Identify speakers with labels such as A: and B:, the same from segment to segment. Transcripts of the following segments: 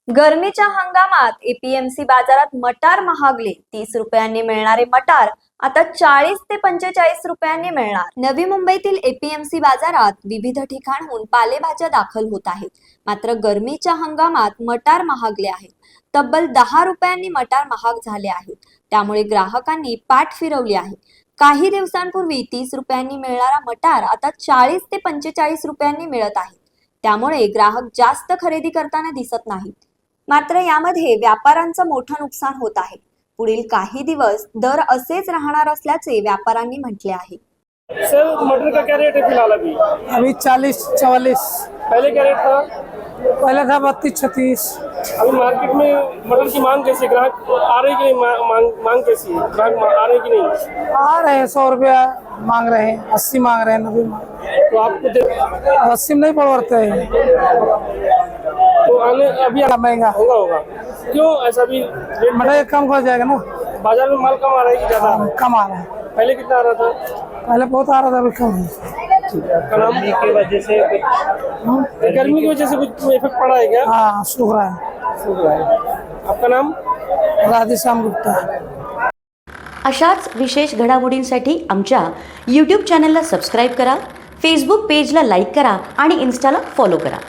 A: गरमीच्या हंगामात एपीएमसी बाजारात मटार महागले. 30 रुपयांनी मिळणारे मटार आता 40 ते 45 रुपयांनी मिळणार. नवी मुंबईतील एपीएमसी बाजारात विविध ठिकाणहून पालेभाज्या दाखल होत आहेत. मात्र गरमीच्या हंगामात मटार महागले आहेत. तब्बल 10 रुपयांनी मटार महाग झाले आहेत. त्यामुळे ग्राहकांनी पाठ फिरवली आहे. काही दिवसांपूर्वी 30 रुपयांनी मिळणारा मटार आता 40 ते 45 रुपयांनी मिळत आहे. त्यामुळे ग्राहक जास्त खरेदी करताना दिसत नाहीत. मात्र यामध्ये व्यापाऱ्यांचं मोठं नुकसान होत आहे. पुढील काही दिवस दर असेच राहणार असल्याचे व्यापाऱ्यांनी म्हटले आहे.
B: सर, मटर का क्या रेट है फिलहाल?
C: अभी 40-44।
B: पहले क्या रेट था?
C: पहले था 32-36।
B: अभी मार्केट में मटर की मांग कैसी है? ग्राहक आ रहे कि नहीं? मांग कैसी है? ग्राहक आ रहे कि नहीं?
C: आ रहे हैं 100 रुपया मांग रहे हैं, 80 मांग रहे हैं, 90 मांग रहे हैं।
B: तो आपको
C: 80 में नहीं पड़ते हैं,
B: तो आने अभी
C: महंगा
B: होगा। क्यों ऐसा? भी रेट
C: मटर कम हो जाएगा ना।
B: बाजार में माल कम आ रहा है कि ज्यादा?
C: कम आ रहा है।
B: पहले कितना आ रहा था?
C: पहले बहुत आ रहा था, अभी कम है।
B: गर्मी की वजह से गर्मी की वजह से कुछ इफेक्ट पड़ा है क्या?
C: हाँ, सूख रहा है।
B: आपका नाम?
C: राधेश्याम गुप्ता।
D: अशाच विशेष घडामोडींसाठी आमच्या यूट्यूब चॅनलला सबस्क्राईब करा, फेसबुक पेजला लाईक करा आणि इन्स्टाला फॉलो करा.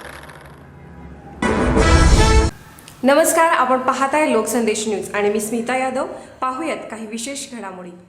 E: नमस्कार, आपण पाहताय लोकसंदेश न्यूज आणि मी स्मिता यादव. पाहूयात काही विशेष घडामोडी.